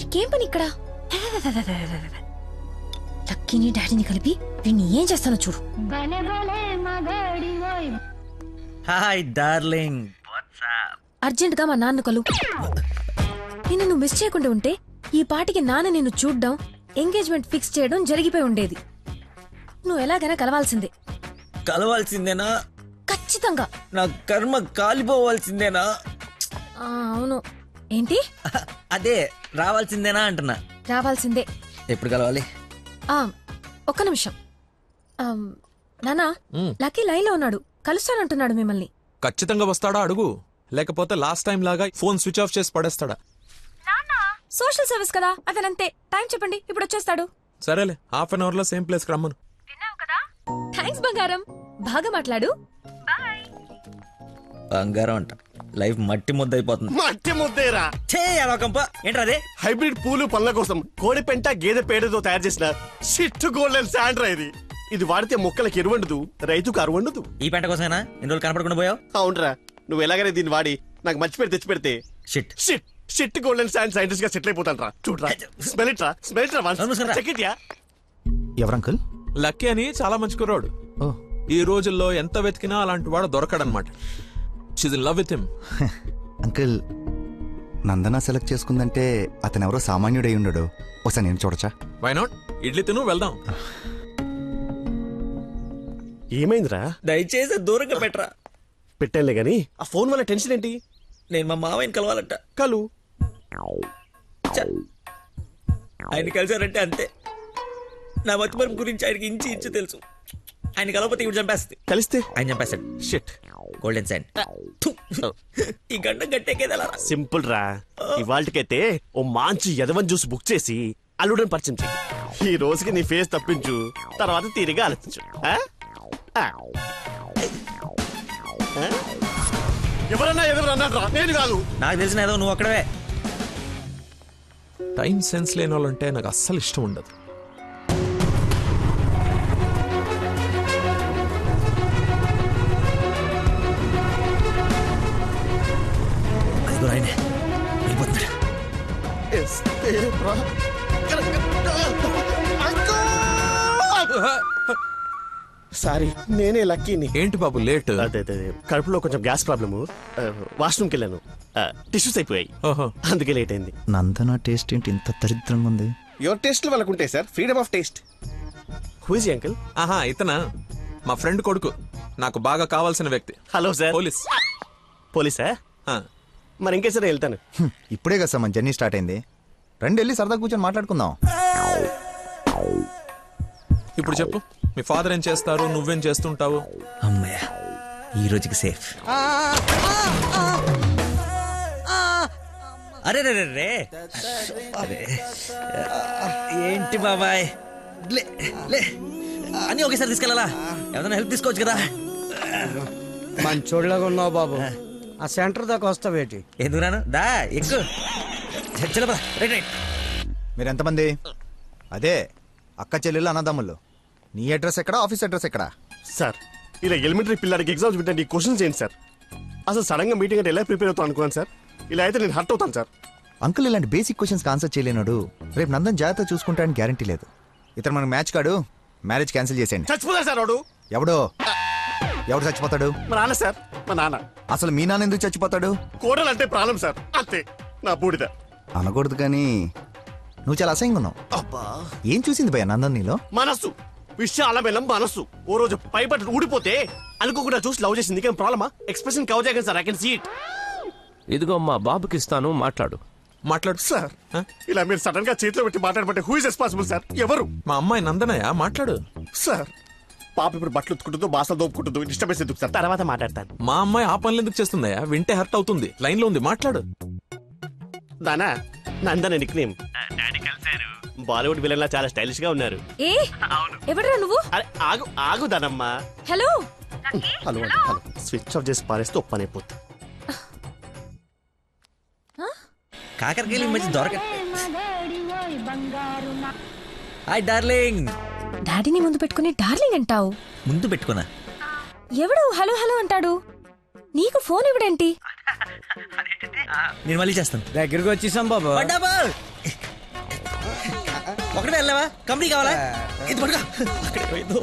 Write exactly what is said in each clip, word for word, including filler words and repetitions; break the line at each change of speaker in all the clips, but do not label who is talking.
నీకేం పని ఇక్కడ? లక్కీని డాడీని కలిపి వీడిని ఏం చేస్తానో చూడు.
Hi darling.
అర్జెంట్ గా మా నాన్న కలు. నిన్ను నువ్వు మిస్ చేయకుండా ఉంటే ఈ పాటికి నాన్న నిన్ను చూడ్డం, ఎంగేజ్మెంట్ ఫిక్స్ చేయడం జరిగిపోయి ఉండేది. నువ్వు ఎలాగైనా కలవాల్సిందే.
కలవాల్సిందేనా?
ఖచ్చితంగా.
నా కర్మ కాలిపోవాల్సిందేనా?
ఆ, అవును. ఏంటి?
అదే రావాల్సిందేనా అంటున్నా.
రావాల్సిందే.
ఎప్పుడు కలవాలి?
ఆ ఒక్క నిమిషం. నానా, లక్కీ లైన్ లో ఉన్నాడు, కలుస్తానంటున్నాడు మిమ్మల్ని.
ఖచ్చితంగా వస్తాడా అడుగు, లేకపోతే లాస్ట్ టైం లాగా ఫోన్ స్విచ్ ఆఫ్ చేసి పడేస్తాడా?
సోషల్ సర్వీస్ కదా, అతనంతే. టైం చెప్పండి, ఇప్పుడు వచ్చేస్తాడు.
సరేలే, హాఫ్ అన్ అవర్ లో సేమ్ ప్లేస్ కి రమ్మను.
థ్యాంక్స్ బంగారం, బాగా మాట్లాడు.
బంగారం అంట, లైఫ్ మట్టి ముద్ద అయిపోతుంది.
మట్టి ముద్దేరా
ఏంట్రా అదే?
హైబ్రిడ్ పూలు పళ్ళ కోసం కోడి పెంట గేదె పేడతో తయారు చేసిన షిట్ గోల్డెన్ శాండ్రా ఇది. ఇది వాడితే మొక్కలకి ఎరువండదు, రైతుకు అరువండదు.
ఈ పెంట కోసమేనా ఇన్ని రోజులు కనపడకుండా పోయావు?
అవునరా, నువ్వు ఎలాగైనా దీన్ని వాడి నాకు మంచి పేరు తెచ్చి పెడితే
shit
shit shit golden sand scientist గా సెటిల్ అయిపోతాను రా. చూడరా, స్మెల్ ఇట్ రా, స్మెల్ ఇట్ రా, చెక్ ఇట్ యా.
ఎవరంకుల్?
లక్కీ అని చాలా మంచి కుర్రాడు. ఈ రోజుల్లో ఎంత వెతికినా అలాంటి వాడు దొరకడనమాట. She's in love with him.
Uncle, Nandana select చేసుకుందంటే అతను ఎవరో సామాన్యుడై ఉండడు. ఒకసారి నేను చూడచ్చా?
Why not? ఇడ్లీ తిను, వెళ్దాం.
ఏమైందిరా?
దయచేసి దూరంగా పెట్టరా.
పెట్టానులే గాని ఆ ఫోన్ వల్ల టెన్షన్ ఏంటి?
నేను మా మావయ్యని కలవాలంట.
కలు
చ్చ. ఆయన కలిసారంటే అంతే. నా మతిమరుపు గురించి ఆయనకి ఇంచి ఇంచు తెలుసు. ఆయన కలవకపోతే ఇప్పుడు చంపేస్తుంది.
కలిస్తే
ఆయన చంపేస్తాడు.
Shit
golden sign. ఈ గంట గట్టేకేదలా?
సింపుల్ రా. ఇవాళకైతే ఓ మంచి యదవన్ జ్యూస్ బుక్ చేసి అల్లుడని పరిచయం చెయ్యి. ఈ రోజుకి నీ ఫేస్ తప్పించు, తర్వాత తీరిగా ఆలోచించు. ఆ? ఆ. ఆ? ఎవరన్నా ఎవరన్నా రా, నేను కాదు.
నాకు తెలిసిన ఏదో నువ్వు అక్కడవే.
టైం సెన్స్ లేని వాళ్ళంటే నాకు అస్సలు ఇష్టం ఉండదు.
సారీ, నేనే లక్కీని.
ఏంటి బాబు లేట్?
అదే అదే కడుపులో కొంచెం గ్యాస్ ప్రాబ్లము, వాష్రూమ్కి వెళ్ళాను, టిష్యూస్ అయిపోయాయి,
ఓహో,
అందుకే లేట్ అయింది.
నందన టేస్ట్ ఏంటి ఇంత దరిద్రంగా ఉంది?
యువర్ టేస్ట్ వాళ్ళకు ఉంటాయి సార్, freedom of taste. Who is uncle?
ఆహా, ఇతనా మా ఫ్రెండ్ కొడుకు, నాకు బాగా కావాల్సిన వ్యక్తి.
Hello sir.
పోలీస్.
పోలీసా?
ఆ.
మరి ఇంకే సరే వెళ్తాను.
హ్మ్, ఇప్పుడే కదా సార్ మన జర్నీ స్టార్ట్ అయింది. రండి వెళ్ళి సరదా కూర్చొని మాట్లాడుకుందాం.
ఇప్పుడు చెప్పు, మీ ఫాదర్ ఏం చేస్తారు, నువ్వేం చేస్తుంటావు?
అమ్మయ్య, ఈ రోజుకి సేఫ్. అరే రే రే అరే ఏంటి బాబాయ్, లే లే అని ఒకేసారి తీసుకెళ్ళాలా? ఏదైనా హెల్ప్ తీసుకోవచ్చు కదా.
మంచోళ్ళగా ఉన్నావు బాబు. ఆ సెంటర్ దాకా వస్తావేటి?
ఎందుకు రాను, దా ఎక్కువ. Right right.
మీరు ఎంతమంది? అదే అక్క చెల్లెళ్ళు అన్నదమ్ముళ్ళు. నీ అడ్రస్ ఎక్కడ, ఆఫీస్ అడ్రస్ ఎక్కడ?
సార్, ఇలా ఎలిమెంటరీ పిల్లలకి ఎగ్జామ్స్ పెట్టండి, క్వశ్చన్స్ ఏంటి సార్? అసలు సడన్ గా మీటింగ్ అంటే ఎలా ప్రిపేర్ అవుతాను అనుకున్నాను సార్. ఇలా అయితే నేను హర్ట్ అవుతాను సార్.
అంకుల్, ఇలాంటి బేసిక్ క్వశ్చన్స్ ఆన్సర్ చేయలేనాడు. రేపు నందన్ జాగ్రత్త చూసుకుంటాడని గ్యారంటీ లేదు. ఇతను మనకు మ్యాచ్ కాడు, మ్యారేజ్ క్యాన్సిల్ చేసేయండి.
చచ్చిపోతాడు సార్ వాడు.
ఎవడో ఎవడు చచ్చిపోతాడు?
మా నాన్న సార్, మా నాన్న.
అసలు మీ నాన్న ఎందుకు చచ్చిపోతాడు?
కోడలు అంటే ప్రాబ్లం సార్, అంతే. నా బూడిద
అనకూడదు కానీ నువ్వు చాలా అసహ్యంగా ఉన్నావు.
అబ్బా,
ఏం చూసింది భయ నందన్ నీలో?
మనస్సు, విషయాల బెల్లం మనస్సు. ఓ రోజు పైపట్టు ఊడిపోతే అనుకోకుండా చూసి లవ్ చేసింది. ఇంకేం ప్రాబ్లమా? ఎక్స్ప్రెషన్ కవర్ చేయగలను sir, I can see it.
ఇదిగో మా బాబుకి ఇస్తాను, మాట్లాడు.
మాట్లాడు
సార్. ఇలా మీరు సడన్ గా చేతిలో పెట్టి మాట్లాడబట్టే హూ ఇస్ రెస్పాన్సిబుల్ సార్? ఎవరు?
మా అమ్మాయి నందనయ్య, మాట్లాడు.
సార్, పాప ఇప్పుడు బట్టలు ఉత్తుకుంటుందో బాసలు దోపుకుంటుందో డిస్టర్బెన్స్ ఎందుకు సార్? తర్వాత మాట్లాడతాను.
మా అమ్మాయి ఆ పనులు ఎందుకు చేస్తుందయ్యా? వింటే హర్ట్ అవుతుంది. లైన్ లో ఉంది, మాట్లాడు.
దానా Nandana nickname. Bollywood villain లా చాలా స్టైలిష్ గా ఉన్నారు.
ఏ ఎవడరా నువ్వు?
అరే ఆగు ఆగు దానమ్మా.
Hello
hello hello switch off చేసి పారేస్తే ఒప్పనైపోతుంది.
కాకరకాయలు ఈ మధ్య దొరక. Hi darling.
డాడీని ముందు పెట్టుకుని డార్లింగ్ అంటావు?
ముందు పెట్టుకున్నా.
ఎవడు హలో హలో అంటాడు? నీకు ఫోన్ ఇవ్వడేంటి?
నేను మళ్ళీ చేస్తాను.
దగ్గరికి వచ్చేసాం బాబు.
ఒకటే వెళ్ళావా? కంపెనీ కావాలా? ఇది పడుకో. అక్కడే పోయిందో.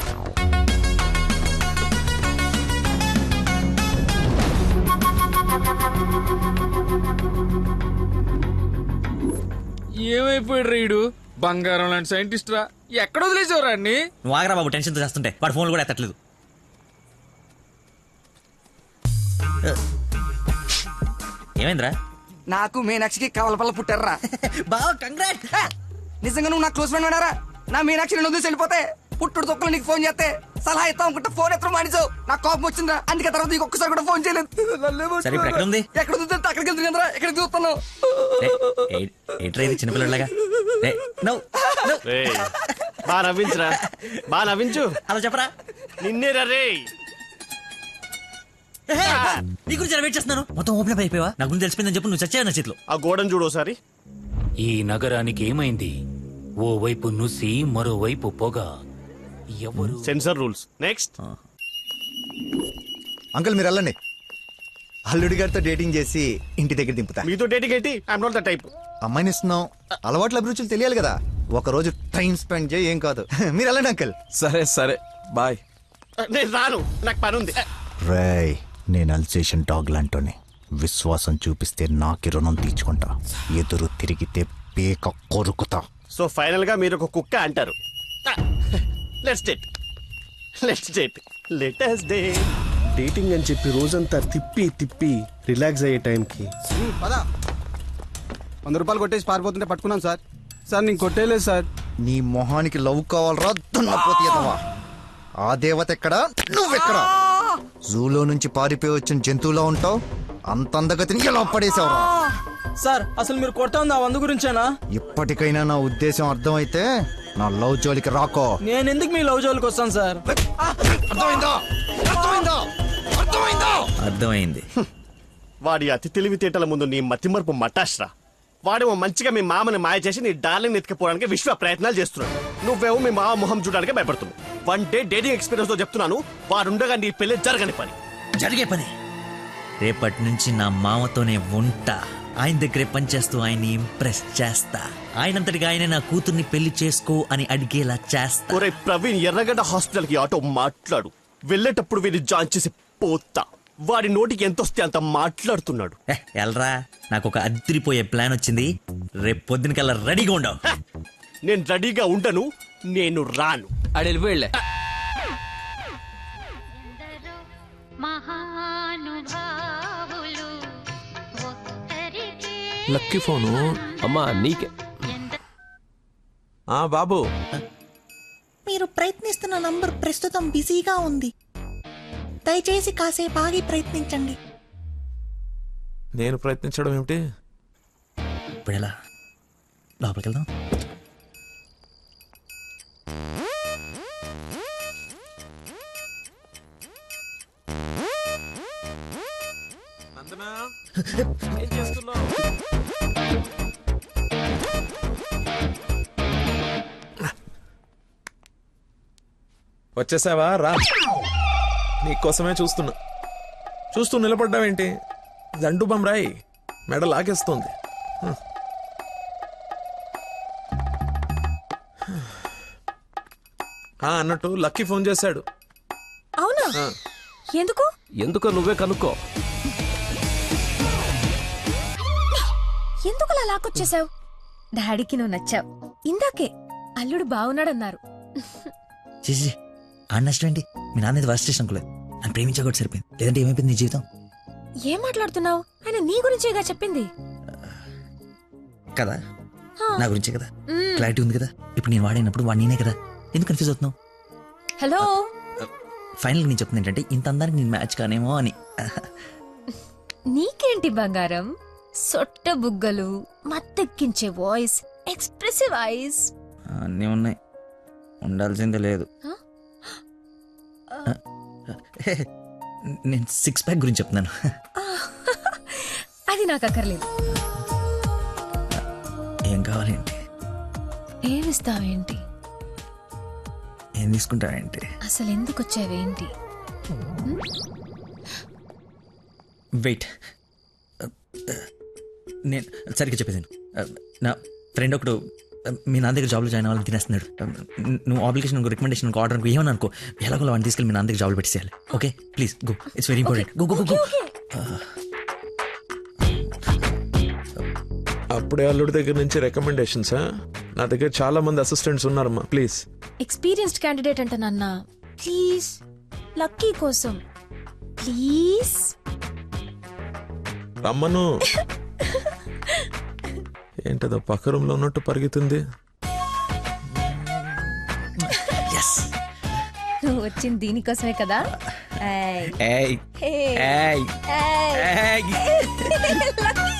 ఏమైపోయాడు రీడు? బంగారం లాంటి సైంటిస్ట్ రా. ఎక్కడ వదిలేసేవరా అన్ని?
నువ్వు ఆగరా బాబు, టెన్షన్తో చేస్తుంటే. వాడు ఫోన్లు కూడా ఎత్తట్లేదు. ఏమైందిరా?
నాకు మీనాక్షికి కవలపల్ల పుట్టారా.
బావ కంగ్రాట్.
నిజంగా నువ్వు నా క్లోజ్ ఫ్రెండ్ ఉన్నారా? నా మీనాక్షి రెండు వదిలేసి వెళ్ళిపోతే పుట్టుడు తొక్కలు నీకు ఫోన్ చేస్తే సలహా ఇస్తాం అనుకుంటే ఫోన్ ఎత్తడం మానేసావు. నాకు కోపం వచ్చిందా, అందుకే తర్వాత నీకు ఒక్కసారి కూడా ఫోన్ చేయలేదు.
సరే ఇప్పుడు ఎక్కడ ఉంది?
ఎక్కడ ఉంది? అక్కడికి వెళ్తుంది కదరా, ఎక్కడ చూస్తున్నావు?
ఏంట్రా ఇది చిన్నపిల్లలాగా?
బా నవ్వించురా, బా నవ్వించు.
అలా చెప్పరా.
నిన్నే రే.
నీ గురించి వెయిట్ చేస్తున్నాను. మొత్తం ఓపెన్ అయిపోయావా? నా గురించి తెలిసిపోయిందని చెప్పు. నువ్వు చచ్చావు నా చేతిలో.
ఆ గోడను చూడు ఒకసారి.
ఈ నగరానికి ఏమైంది? ఓ వైపు నుసి, మరోవైపు పొగ. ఎవరు?
Sensor rules. నెక్స్ట్.
అంకుల్ మీరు వెళ్ళండి. అల్లుడి గారితో డేటింగ్ చేసి ఇంటి దగ్గర దింపుతా.
మీతో డేటింగ్ ఏంటి? I'm not the type.
అమ్మాయిని ఇస్తున్నాం, అలవాట్ల అభిరుచులు తెలియాలి కదా. ఒక రోజు టైం స్పెండ్ చేయి, ఏం కాదు. మీరు వెళ్ళండి అంకుల్.
సరే సరే బాయ్.
నేను రాను, నాకు పని ఉంది.
రేయ్, నేను అల్సేషన్ డాగ్ లాంటోని. విశ్వాసం చూపిస్తే నాకి రుణం తీర్చుకుంటా, ఎదురు తిరిగితే పేక కొరుకుతా.
సో ఫైనల్ గా మీరు ఒక కుక్క అంటారు. Let's date, let's date, let us date. Dating అని చెప్పి రోజంతా తిప్పి తిప్పి రిలాక్స్ అయ్యే టైంకి
పదా వంద రూపాయలు కొట్టేసి పారిపోతుంటే పట్టుకున్నాను సార్. సార్ నేను కొట్టేయలేదు సార్.
నీ మొహానికి లవ్ కావాలరా దున్నపోతీయదవా? ఆ దేవత ఎక్కడా, నువ్వెక్కడా? జూలో నుంచి పారిపోయి వచ్చిన జంతువులా ఉంటావు. అంత అందగతిని ఎలా పడేసావురా?
సార్ అసలు మీరు కొడతా ఉంది ఆ వంద గురించేనా?
ఇప్పటికైనా నా ఉద్దేశం అర్థమైతే నా లవ్ జోలికి రాకో.
నేను ఎందుకు మీ లవ్ జోలికి వస్తాను సార్?
అర్థమైందా? అర్థమైందా? అర్థమైందా?
అర్థమైంది.
వాడి అతి తెలివితేటల ముందు నీ మతిమరుపు మటాష్రా. వాడేమో మంచిగా మీ మామని మాయ చేసి నీ డార్లింగ్ ఎత్తుకుపోవడానికి విశ్వ ప్రయత్నాలు చేస్తున్నాడు. నువ్వేమో మీ మామ మొహం చూడడానికి భయపడుతున్నావు. వన్ డే డేటింగ్ ఎక్స్పీరియన్స్ తో చెప్తున్నాను, వాడుండగా నీ పెళ్లి జరగని పని.
జరిగే పని. రేపటి నుంచి నా మామతోనే ఉంటా. ఆయన దగ్గరే పనిచేస్తూ ఆయన్ని ఇంప్రెస్ చేస్తా. ఆయనంతటిగా ఆయన నా కూతుర్ని పెళ్లి చేసుకో అని అడిగేలా చేస్తా.
ఒరే ప్రవీణ్, ఎర్రగడ్డ హాస్పిటల్ కి ఆటో మాట్లాడు. వెళ్ళేటప్పుడు వీడిని జాయిన్ చేసి పోతా. వాడి నోటికి ఎంత వస్తే అంత మాట్లాడుతున్నాడు.
ఎల్రా, నాకు ఒక అదిరిపోయే ప్లాన్ వచ్చింది. రేపు పొద్దునకల్లా రెడీగా ఉండవు.
నేను రెడీగా ఉండను, నేను రాను.
ఆడు వెళ్ళిపోయిలే.
Lucky phone.
అమ్మా నీకే.
ఆ బాబు,
మీరు ప్రయత్నిస్తున్న నంబర్ ప్రస్తుతం బిజీగా ఉంది. దయచేసి కాసేపు ఆగి ప్రయత్నించండి.
నేను ప్రయత్నించడం ఏమిటి?
ఇప్పుడు ఎలా? లోపలికి వెళ్దాం.
నందనా, ఏం చేస్తున్నావు? వచ్చేసావా? రా, నీకోసమే చూస్తున్నా. చూస్తూ నిలబడ్డావేంటి? దండు బమ్రాయి మెడ లాగేస్తుంది. ఆ, అన్నట్టు లక్కీ ఫోన్ చేశాడు.
అవునా? ఎందుకు?
ఎందుకో నువ్వే కనుక్కో.
ఎందుకు అలా లాక్కొచ్చేసావు? డాడీకి నువ్వు నచ్చావు. ఇందాకే అల్లుడు బాగున్నాడన్నారు.
చేసి ఆ నష్టం ఏంటి? మీ నాన్న వర్స్ట్ స్టేషన్ అనుకోలేదు. నన్ను ప్రేమించకూడదు సరిపోయింది. లేదంటే ఏమైపోయింది నీ జీవితం?
ఏం మాట్లాడుతున్నావు? ఆయన నీ గురించేగా చెప్పింది
కదా. నా గురించే కదా. క్లారిటీ ఉంది కదా. ఇప్పుడు నేను వాడినప్పుడు వాడు నేనే కదా. ఎందుకు కన్ఫ్యూజ్ అవుతున్నావు?
హలో,
ఫైనల్ నేను చెప్తుంది ఏంటంటే ఇంత అందానికి నేను మ్యాచ్ కానేమో అని.
నీకేంటి బంగారం? సొట్ట బుగ్గలు, మత్తెక్కించే వాయిస్, ఎక్స్ప్రెసివ్ ఐస్
అన్నీ ఉన్నాయి. ఉండాల్సిందే లేదు. నేను సిక్స్ ప్యాక్ గురించి చెప్తున్నాను.
అది నాకు అక్కర్లేదు.
ఏం కావాలేంటి?
ఏమిస్తావేంటి?
ఏం తీసుకుంటావేంటి?
అసలు ఎందుకు వచ్చావేంటి?
వెయిట్, నేను సరిగ్గా చెప్పేసాను. నా ఫ్రెండ్ ఒకడు మీ నాన్న దగ్గర జాబ్లో జాయిన్ అవ్వాలని తినేస్తున్నాడు. నువ్వు అప్లికేషన్ రికమెండేషన్ ఆర్డర్ అనుకో ఏమని అనుకో ఎలాగో వాడిని తీసుకెళ్ళి మీ నాన్న దగ్గర జాబ్లో పెట్టేసేయాలి. Okay please go, it's very important. Go go go.
అప్పుడే అల్లుడి దగ్గర నుంచి రికమెండేషన్స్. నా దగ్గర చాలా మంది అసిస్టెంట్స్ ఉన్నారమ్మా, ప్లీజ్.
ఎక్స్పీరియన్స్డ్ క్యాండిడేట్ అంట నాన్న, ప్లీజ్ లక్కీ కోసం ప్లీజ్
రమ్మను. ఏంటదో పక్క రూమ్ లో ఉన్నట్టు పరిగెత్తుంది.
నువ్వు వచ్చింది దీనికోసమే కదా.
ఏయ్ ఏయ్ ఏయ్
లక్కీ